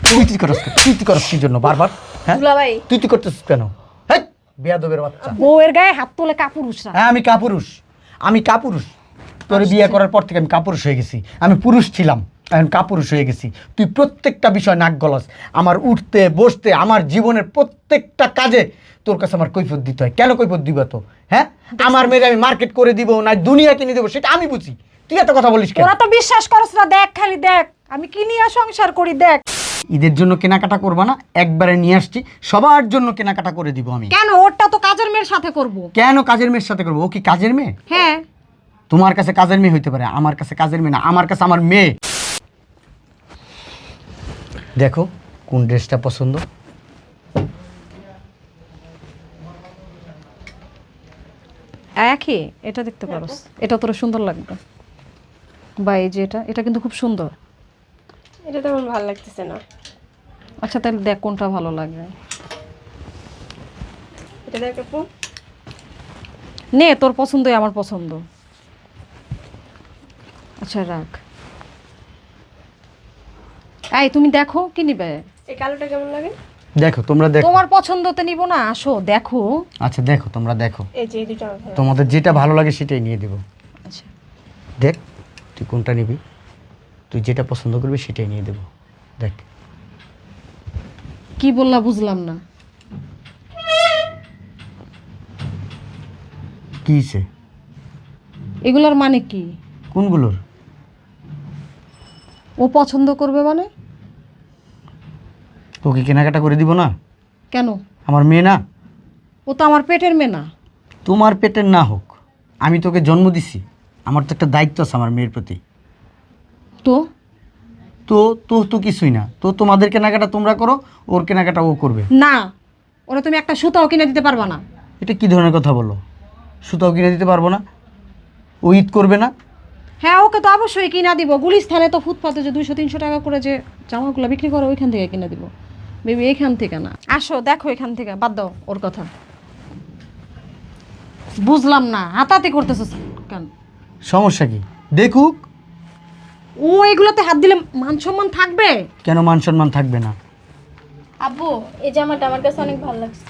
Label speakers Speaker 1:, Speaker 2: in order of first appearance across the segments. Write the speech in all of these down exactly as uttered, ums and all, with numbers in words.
Speaker 1: তুই তুই করস তুই তুই করস কি জন্য বারবার? হ্যাঁ
Speaker 2: দুলাভাই
Speaker 1: তুই তুই করতেছিস কেন? হ্যাঁ বেয়াদবের বাচ্চা।
Speaker 3: বউয়ের গায়ে হাত তোলে কাপুরুষরা।
Speaker 1: হ্যাঁ আমি কাপুরুষ, আমি কাপুরুষ। তোর বিয়ে করার পর থেকে আমি কাপুরুষ হয়ে গেছি। আমি পুরুষ ছিলাম, এখন কাপুরুষ হয়ে গেছি। তুই প্রত্যেকটা বিষয় নাক গলাস। আমার উঠতে বসতে আমার জীবনের প্রত্যেকটা কাজে তোর কাছে আমার কৈফিয়ত দিতে হয়। কেন কৈফিয়ত দিব তো? হ্যাঁ আমার মেয়ের আমি মার্কেট করে দিব না দুনিয়া কিনে দেবো সেটা আমি বুঝি, তুই এত কথা বলিস কেন?
Speaker 3: তোরা তো বিশ্বাস করছ না, দেখ খালি দেখ আমি কি নিয়ে সংসার করি দেখ।
Speaker 1: ঈদের জন্য কেনাকাটা করবা না? একবারে নিয়ে আসছি, সবার জন্য কেনাকাটা করে দিব আমি।
Speaker 3: কেন? ওরটা তো কাজের মেয়ের সাথে করব।
Speaker 1: কেন কাজের মেয়ের সাথে করবো? ও কি কাজের মেয়ে?
Speaker 3: হ্যাঁ
Speaker 1: তোমার কাছে কাজের মেয়ে হইতে পারে, আমার কাছে কাজের মেয়ে না, আমার কাছে আমার মেয়ে। দেখো কোন ড্রেসটা পছন্দ।
Speaker 3: একই, এটা দেখতে পারোস, এটা তোর সুন্দর লাগবে। বা এই যে এটা, এটা কিন্তু খুব সুন্দর।
Speaker 2: এটা তো আমার ভালো লাগতেছে না।
Speaker 3: আচ্ছা তাহলে দেখ কোনটা ভালো লাগে।
Speaker 2: এটা দেখ আপু।
Speaker 3: নে তোর পছন্দই আমার পছন্দ। আচ্ছা রাখ। এই তুমি দেখো কি নিবে?
Speaker 2: এই কালোটা কেমন লাগে?
Speaker 1: দেখো তোমরা দেখো।
Speaker 3: তোমার পছন্দতে নিব না, আসো দেখো।
Speaker 1: আচ্ছা দেখো তোমরা দেখো,
Speaker 2: এই যে এই দুটো আমার ভালো লাগে।
Speaker 1: তোমাদের যেটা ভালো লাগে সেটাই নিয়ে দেবো।
Speaker 3: আচ্ছা
Speaker 1: দেখ তুই কোনটা নিবি, তুই যেটা পছন্দ করবি সেটাই নিয়ে দেবো। দেখ
Speaker 3: কি বললা বুঝলাম না।
Speaker 1: কি হইছে?
Speaker 3: এগুলোর মানে কি?
Speaker 1: কোনগুলোর?
Speaker 3: ও পছন্দ করবে মানে?
Speaker 1: তোকে কেনাকাটা করে দিব না?
Speaker 3: কেন?
Speaker 1: আমার মেয়ে না?
Speaker 3: ও তো আমার পেটের মেয়ে না।
Speaker 1: তোমার পেটের না হোক, আমি তোকে জন্ম দিছি, আমার তো একটা দায়িত্ব আছে আমার মেয়ের প্রতি।
Speaker 3: তো
Speaker 1: তো তো তো কিছুই না, তো তোমাদের কেনাকাটা তোমরা করো, ওর কেনাকাটা ও করবে।
Speaker 3: না, ওরা তুমি একটা সুতাও কিনে দিতে পারবা না।
Speaker 1: এটা কি ধরনের কথা বলো? সুতাও কিনে দিতে পারবো না? ও ঈদ করবে না?
Speaker 3: হ্যাঁ ওকে তো অবশ্যই কিনা দিব। গুলিস্থানে তো ফুটপাতে যে দুইশো তিনশো টাকা করে যে জামাগুলো বিক্রি করে ওইখান থেকে কিনে দিব। বেবি এইখান থেকে না, আসো দেখো এখান থেকে, বাদ দাও ওর কথা। বুঝলাম না হাতাহাতি করতেছিস কেন?
Speaker 1: সমস্যা কি? দেখুক।
Speaker 3: ও এগুলোতে হাত দিলে মান সম্মান থাকবে?
Speaker 1: কেন মান সম্মান থাকবে না?
Speaker 2: আব্বু এই জামাটা আমার কাছে অনেক ভালো লাগছে।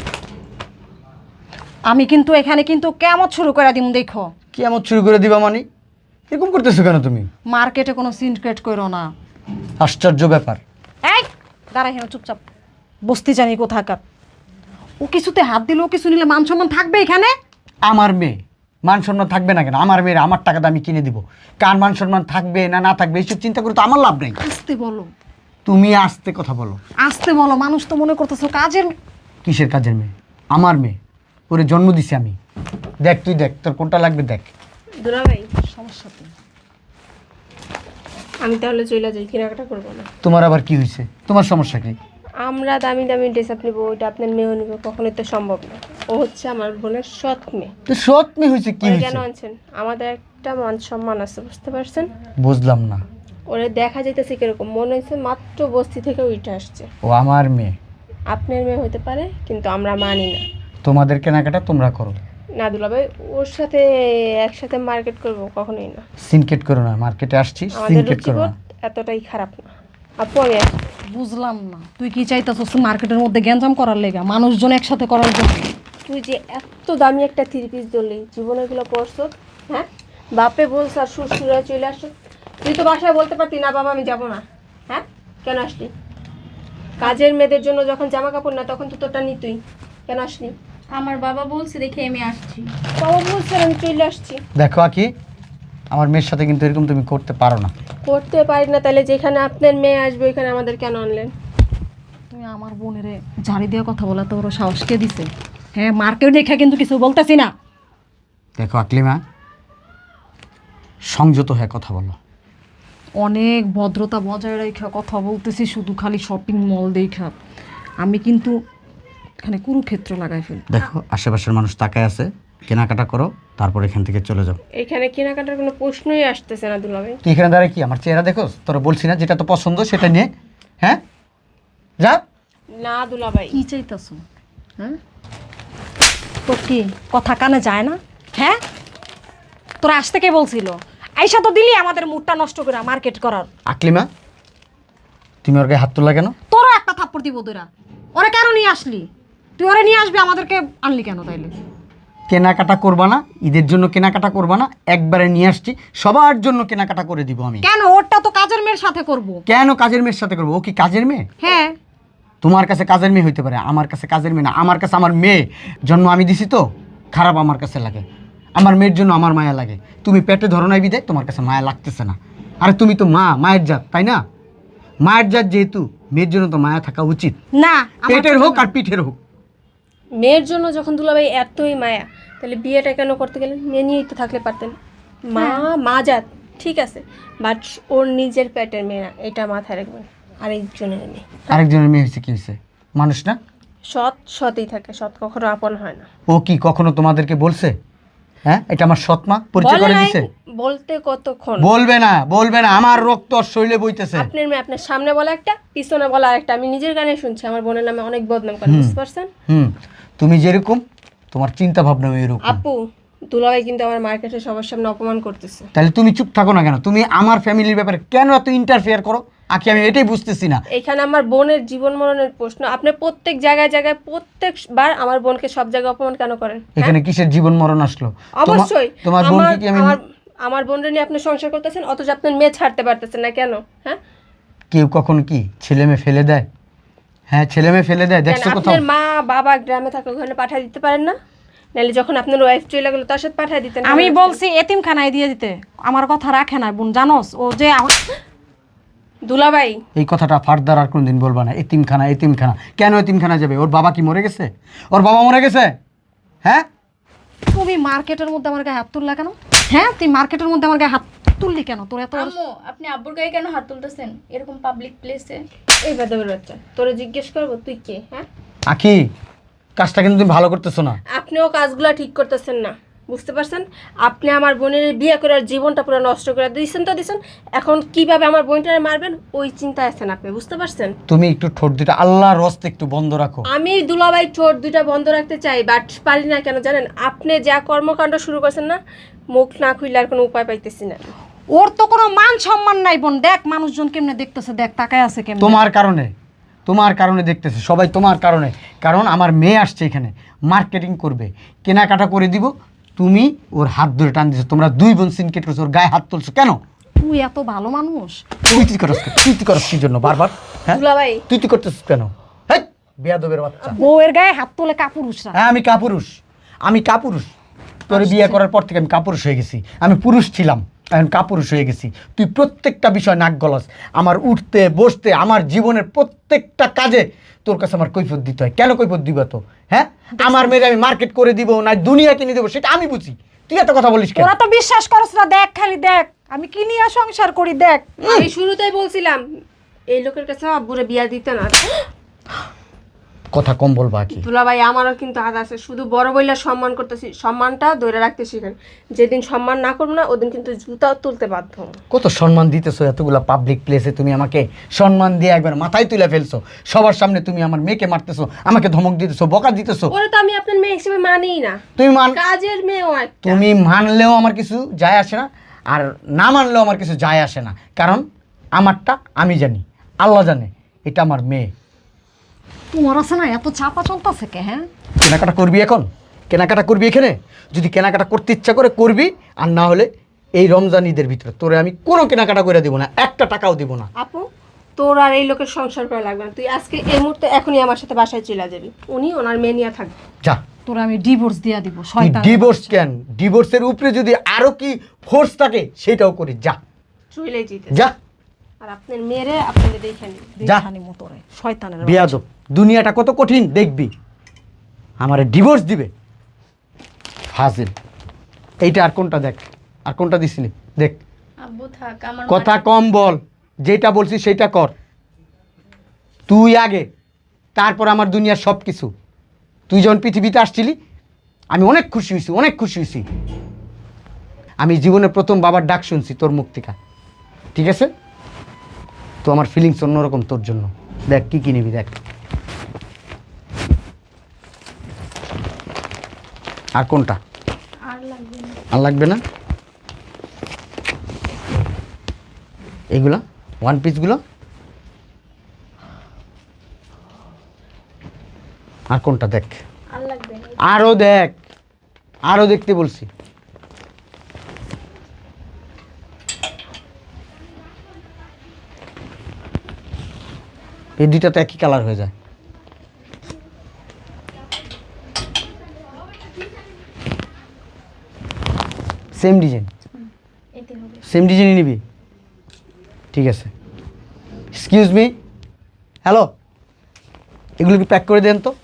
Speaker 3: আমি কিন্তু এখানে কিন্তু কেমন শুরু করে দিম দেখো।
Speaker 1: কি এমন শুরু করে দিবা মানে? এরকম করতেছো কেন তুমি?
Speaker 3: মার্কেটে কোনো সিনক্রেট করো না।
Speaker 1: আশ্চর্য ব্যাপার।
Speaker 3: এই দাঁড়াই হেন চুপচাপ, বসতে জানি কোথাকার। ও কিছুতে হাত দিলে ও কিছু নিলে মান সম্মান থাকবে এখানে?
Speaker 1: আমার মেয়ে, মান সম্মান থাকবে না কেন? আমার মেয়ের আমার টাকাটা আমি কিনে দিব। কার মান সম্মান থাকবে না না থাকবে এইসব চিন্তা করে তো আমার লাভ নেই।
Speaker 3: আসতে বলো,
Speaker 1: তুমি আস্তে কথা বলো।
Speaker 3: আসতে বলো। মানুষ তো মনে করতেছো কাজের।
Speaker 1: কিসের কাজের মেয়ে? আমার মেয়ে, ওরে জন্ম দিছি আমি। দেখ তুই দেখ তোর কোনটা লাগবে দেখ।
Speaker 2: দুলাভাই
Speaker 3: সমস্যা তো
Speaker 2: আমি তাহলে চলে যাই, কেনাকাটা করবো না।
Speaker 1: তোমার আবার কি হয়েছে? তোমার সমস্যা কি?
Speaker 2: আমরা দামি দামি ড্রেস আপ নেবো, ওইটা আপনার মেয়েও নেবো, কখনোই তো সম্ভব না। ও হচ্ছে আমার বোনের সৎ মেয়ে।
Speaker 1: তো সৎ মেয়ে হয়েছে কি
Speaker 2: ওরে
Speaker 1: হয়েছে?
Speaker 2: কেন আনছেন? আমাদের একটা মান সম্মান আছে, বুঝতে পারছেন?
Speaker 1: বুঝলাম না।
Speaker 2: ওরে দেখা যাইতেছে কিরকম, মনে হয়েছে মাত্র বস্তি থেকে উঠে আসছে।
Speaker 1: ও আমার মেয়ে,
Speaker 2: আপনার মেয়ে হতে পারে কিন্তু আমরা মানি না।
Speaker 1: তোমাদের কেনাকাটা তোমরা করো।
Speaker 2: না দুলাভাই, ওর সাথে একসাথে মার্কেট করব কখনোই না।
Speaker 1: সিনকেট করো না, মার্কেটে আসছি
Speaker 2: আমাদের
Speaker 1: সিনকেট করো
Speaker 2: রুচিবোধ
Speaker 1: না।
Speaker 2: এতটাই খারাপ না। আপু আমি আসি।
Speaker 3: বুঝলাম না তুই কি চাইতেছস মার্কেটের মধ্যে গ্যাঞ্জাম করার লেগা, মানুষজন একসাথে করার জন্য?
Speaker 2: তুই যে এত দামি একটা থ্রি পিস ধরলি, জীবনে এগুলো পরছো? হ্যাঁ, বাপে বলছ আর শ্বশুরা চলে আসো। তুই তো বাসায় বলতে পারতি না বাবা আমি যাব না। হ্যাঁ, কেন আসলি? কাজের মেয়েদের জন্য যখন জামা কাপড় না তখন তো তোরটা নিতুই, কেন আসলি?
Speaker 4: আমার বাবা বলছে দেখে আমি আসছি।
Speaker 2: বাবা বলছে আমি চলে আসছি।
Speaker 1: দেখো আকি, আমার মেয়ের সাথে কিন্তু এরকম তুমি করতে পারো না।
Speaker 2: করতে পারি না তাহলে যেখানে আপনার মেয়ে আসবে ওইখানে আমাদের কেন আনলেন?
Speaker 3: তুমি আমার বোনের ঝাড়ি দিয়ে কথা বলা তো ওর সাহস কে দিছে? হ্যাঁ মার্কেট দেখে কিন্তু কিছু বলতেছি না।
Speaker 1: দেখো আকলিমা, সংযত হয়ে কথা বলো।
Speaker 3: অনেক ভদ্রতা বজায় রেখে কথা বলতেছি, শুধু খালি শপিং মল দেখা। আমি কিন্তু এখানে কুরুক্ষেত্র লাগাই ফেল।
Speaker 1: দেখো আশেপাশের মানুষ তাকায় আছে, কেনাকাটা করো তারপর এখান থেকে চলে যাও।
Speaker 2: এখানে কেনাকাটার কোনো প্রশ্নই আসতেছে না দুলাভাই।
Speaker 1: তুই এখানে দাঁড়ায় কি আমার চেহারা দেখো? তোরা বলছি না যেটা তো পছন্দ সেটা নিয়ে, হ্যাঁ যা।
Speaker 2: না দুলাভাই,
Speaker 3: কি চাইতেছ? হ্যাঁ তোর কি কথা কানে যায় না? হ্যাঁ তোর আসতে কে বলছিল? আইসা তো দিলি আমাদের মুডটা নষ্ট করে মার্কেট করার।
Speaker 1: আকলিমা, তুমি ওর গায়ে হাত তুললা কেন?
Speaker 3: তোরও একটা থাপ্পড় দিব তোরা। ওরা কেন নিয়ে আসলি? তুই ওরা নিয়ে আসবি, আমাদেরকে আনলি কেন তাইলে?
Speaker 1: কেনাকাটা করবা না, ঈদের জন্য কেনাকাটা করবা না, একবারে নিয়ে আসছি, সবার জন্য কেনাকাটা করে দিব আমি।
Speaker 3: কেন? ওরটা তো কাজের মেয়ের সাথে করব।
Speaker 1: কেন কাজের মেয়ের সাথে করবো? ও কি কাজের মেয়ে?
Speaker 3: হ্যাঁ।
Speaker 1: তোমার কাছে কাজের মেয়ে হইতে পারে, আমার কাছে কাজের মেয়ে না। আমার কাছে আমার মেয়ে, জন্ম আমি দিছি তো, খারাপ আমার কাছে লাগে। আমার মেয়ের জন্য আমার মায়া লাগে। তুমি পেটে ধরো নাই বিদায় তোমার কাছে মায়া লাগতেছে না। আরে তুমি তো মা, মায়ের জাত, তাই না? মায়ের জাত যেহেতু, মেয়ের জন্য তো মায়া থাকা উচিত,
Speaker 3: না, আমার
Speaker 1: পেটের
Speaker 3: ছোট
Speaker 1: হোক
Speaker 3: না।
Speaker 1: আর পিঠের হোক।
Speaker 2: মেয়ের জন্য যখন দুলাভাই এতই মায়া, তাহলে বিয়েটা কেন করতে গেলেন? মেয়ে নিয়েই তো থাকলে পারতেন। মা মা জাত ঠিক আছে, বাট ওর নিজের পেটের মেয়ে না, এটা মাথায় রাখবেন। আরেকজনের মেয়ে,
Speaker 1: আরেকজনের মেয়ে হয়েছে কি হয়েছে? মানুষ না?
Speaker 2: সৎ সতই থাকে, সৎ কখনো আপন হয় না।
Speaker 1: ও কি কখনো তোমাদেরকে বলছে হ্যাঁ এটা আমার সৎ মা? পরিচয়
Speaker 2: বলে
Speaker 1: করে
Speaker 2: নাই,
Speaker 1: দিছে?
Speaker 2: বলতে কতক্ষণ?
Speaker 1: বলবে না, বলবে না, আমার রক্ত ওর শরীরে বইতেছে।
Speaker 2: আপনার মেয়ে আপনার সামনে বলা একটা, পিছনে বলা আরেকটা। আমি নিজের গানে শুনছি আমার বোনের নামে অনেক বদনাম করে, বুঝতে পারছেন?
Speaker 1: হুম, তুমি যেরকম তোমার চিন্তা ভাবনা এরকম।
Speaker 2: আপু, দুলাভাই কিন্তু আমার মার্কেটে সবার সামনে অপমান করতেছে।
Speaker 1: তাহলে তুমি চুপ থাকো না কেন? তুমি আমার ফ্যামিলির ব্যাপারে কেন এত ইন্টারফেয়ার করো? আকি আমি এটাই বুঝতেছি না।
Speaker 2: এখানে আমার বোনের জীবন মরণের প্রশ্ন। আপনি প্রত্যেক জায়গায় জায়গায় প্রত্যেকবার আমার বোনকে সব জায়গায় অপমান কেন করেন?
Speaker 1: এখানে কিসের জীবন মরণ আসলো? তোমার-
Speaker 2: অবশ্যই
Speaker 1: তোমার
Speaker 2: আমার
Speaker 1: বোনকে কি আমি
Speaker 2: আমার আমার বোনকে নিয়ে আপনি সংসার করতেছেন, অথচ আপনার মেয়ে ছাড়তে পারতেছেন না কেন? হ্যাঁ,
Speaker 1: কেউ কখন কি ছেলে মেয়ে ফেলে দেয়? হ্যাঁ, ছেলে মেয়ে ফেলে দেয়,
Speaker 2: কেন
Speaker 1: দেখছো কোথাও?
Speaker 2: আপনার মা বাবা গ্রামে থাকলে ওখানে পাঠিয়ে দিতে পারেন না? নাহলে যখন আপনার ওয়াইফ চলে গেলো তার সাথে পাঠিয়ে দিতেন।
Speaker 3: আমি বলছি এতিমখানায় দিয়ে দিতে, আমার কথা রাখে না বোন, জানোস? ও যে আমার
Speaker 2: দুলাভাই,
Speaker 1: এই কথাটা ফার্দার আর কোনদিন বলবা না। এতিমখানা, এতিমখানা কেন? এতিমখানা যাবে? ওর বাবা কি মরে গেছে? ওর বাবা মরে গেছে? হ্যাঁ,
Speaker 3: তুমি মার্কেটের মধ্যে আমার গায়ে হাত তুললা কেন? হ্যাঁ, তুই মার্কেটের মধ্যে আমার গায়ে হাত তুললি কেন? তোর এত বড়-
Speaker 4: আম্মু, আপনি আব্বুর গায়ে কেন হাত তুলতেছেন এরকম পাবলিক প্লেসে?
Speaker 2: এই বেদবের বাচ্চা, তোরে জিজ্ঞেস করবো তুই কে? হ্যাঁ,
Speaker 1: আখি কাজটা কিন্তু তুমি ভালো করতেছো না।
Speaker 2: আপনিও কাজগুলো ঠিক করতেছেন না, বুঝতে পারছেন? আপনি আমার বোনের বিয়ে করে ওর জীবনটা পুরো নষ্ট করে দিয়েছেন তো দিয়েছেন। এখন কিভাবে আমার বোনটারে মারবেন ওই চিন্তায় আছেন আপনি, বুঝতে পারছেন?
Speaker 1: তুমি একটু ঠোঁট দুটা আল্লাহর রস্তে একটু বন্ধ রাখো।
Speaker 2: আমি দুলাভাই ঠোঁট দুইটা বন্ধ রাখতে চাই, বাট পারি না। কেন জানেন? আপনি যা কর্মকাণ্ড শুরু করছেন না, মুখ না খুললে আর কোনো উপায় পাইতেছি না।
Speaker 3: ওর তো কোনো মান সম্মান নাই বোন। দেখ মানুষজন কেমনে দেখতেছে, দেখ তাকায় আছে কেমনে।
Speaker 1: তোমার কারণে, তোমার কারণে দেখতেছে সবাই, তোমার কারণে। কারণ আমার মেয়ে আসছে এখানে, মার্কেটিং করবে, কেনাকাটা করে দিব, তুমি ওর হাত ধরে টান দিছো। তোমরা দুই বোন সিনকেট করছো, ওর গায়ে হাত তুলছো কেন?
Speaker 3: তুই এত ভালো মানুষ?
Speaker 1: তুই তুই করস কেন? তুই তুই করস কি জন্য বারবার? হ্যাঁ,
Speaker 2: দুলাভাই,
Speaker 1: তুই তুই করতেছিস কেন? হ্যাঁ, বেয়াদবের বাচ্চা।
Speaker 3: বউয়ের গায়ে হাত তুলে কাপুরুষরা।
Speaker 1: হ্যাঁ, আমি কাপুরুষ, আমি কাপুরুষ। তোর বিয়ে করার পর থেকে আমি কাপুরুষ হয়ে গেছি। আমি পুরুষ ছিলাম, এখন কাপুরুষ হয়ে গেছি। তুই প্রত্যেকটা বিষয় নাক গলাস। আমার উঠতে বসতে, আমার জীবনের প্রত্যেকটা কাজে তোর কাছে আমার কৈফিয়ত দিতে হয়। কেন কৈফিয়ত দিব তো? হ্যাঁ, আমার মেয়ের আমি মার্কেট করে দিব না দুনিয়া কিনে দেবো, সেটা আমি বুঝি। তুই এত কথা বলিস কেন?
Speaker 3: ওরা তো বিশ্বাস করছ না। দেখ খালি দেখ আমি কি নিয়ে সংসার করি, দেখ।
Speaker 2: আমি শুরুতেই বলছিলাম এই লোকের কাছে আব্বুরে বিয়া দিতে না।
Speaker 1: কথা কম বলবা কি?
Speaker 2: দুলাভাই, আমারও কিন্তু হাত আছে। শুধু বড় বইলা সম্মান করতেছি, সম্মানটা ধরে রাখতে শিখেন। যেদিন সম্মান না করবো না ওদিন কিন্তু জুতাও তুলতে বাধ্য হবো।
Speaker 1: কত সম্মান দিতেছো এতগুলা পাবলিক প্লেসে, তুমি আমাকে সম্মান দিয়ে একবার মাথায় তুলে ফেলছো। সবার সামনে তুমি আমার মেয়েকে মারতেছো, আমাকে ধমক দিতেছো, বকা দিতেছো।
Speaker 2: ওরা তো আমি আপনার মেয়ে হিসেবে মানিই না,
Speaker 1: তুমি মান
Speaker 2: কাজের মেয়েও একটা।
Speaker 1: তুমি মানলেও আমার কিছু যায় আসে না, আর না মানলেও আমার কিছু যায় আসে না। কারণ আমারটা আমি জানি, আল্লাহ জানে এটা আমার মেয়ে।
Speaker 3: তোমার আছে না এত চাপা চলতেছে কে? হ্যাঁ,
Speaker 1: কেনাকাটা করবি এখন? কেনাকাটা করবি এখানে? যদি কেনাকাটা করতে ইচ্ছা করে করবি, আর না হলে এই রমজান ঈদের ভিতরে তোরে আমি কোনো কেনাকাটা করে দিব না, একটা টাকাও দিব না।
Speaker 2: আপু, তোর আর এই লোকের সংসার করা লাগবে না। তুই আজকে এই মুহূর্তে এখনই আমার সাথে বাসায় চলে যাবি। উনি ওনার মেয়ে নিয়ে থাকবে।
Speaker 1: যা,
Speaker 3: তোরা আমি ডিভোর্স দিয়া দিব।
Speaker 1: তুই
Speaker 3: শয়তান।
Speaker 1: ডিভোর্স কেন? ডিভোর্সের উপরে যদি আরো কি ফোর্স থাকে সেটাও করি। যা
Speaker 2: চলে যেতে।
Speaker 1: যা,
Speaker 2: আর আপনার মেয়েরে আপনাকে দেখে নিন।
Speaker 1: যা।
Speaker 3: দেখানি মতরে শয়তানের বাচ্চা।
Speaker 1: বেয়াদব, দুনিয়াটা কত কঠিন দেখবি। আমারে ডিভোর্স দিবে ফাজিল। এইটা আর কোনটা দেখ, আর কোনটা দিছিলি দেখ।
Speaker 4: আব্বু থাক, আমার
Speaker 1: কথা কম বল, যেটা বলছিস সেটা কর। তুই আগে, তারপর আমার দুনিয়ার সব কিছু। তুই যখন পৃথিবীতে আসছিলি আমি অনেক খুশি হয়েছি, অনেক খুশি হয়েছি। আমি জীবনে প্রথম বাবার ডাক শুনছি তোর মুখ থেকে, ঠিক আছে? তো আমার ফিলিংস অন্যরকম তোর জন্য। দেখ কি কি নিবি, দেখ। আর কোনটা?
Speaker 4: আর লাগবে না।
Speaker 1: আর লাগবে না? এগুলা ওয়ান পিসগুলো আর কোনটা দেখ,
Speaker 4: আর লাগবে না।
Speaker 1: আরও দেখ, আরও দেখতে বলছি। এই দুইটা তো একই কালার হয়ে যায়। সেম ডিজাইন,
Speaker 4: এতে হবে।
Speaker 1: সেম ডিজাইনই নিবি? ঠিক আছে। এক্সকিউজ মি, হ্যালো, এগুলো কি প্যাক করে দেন তো।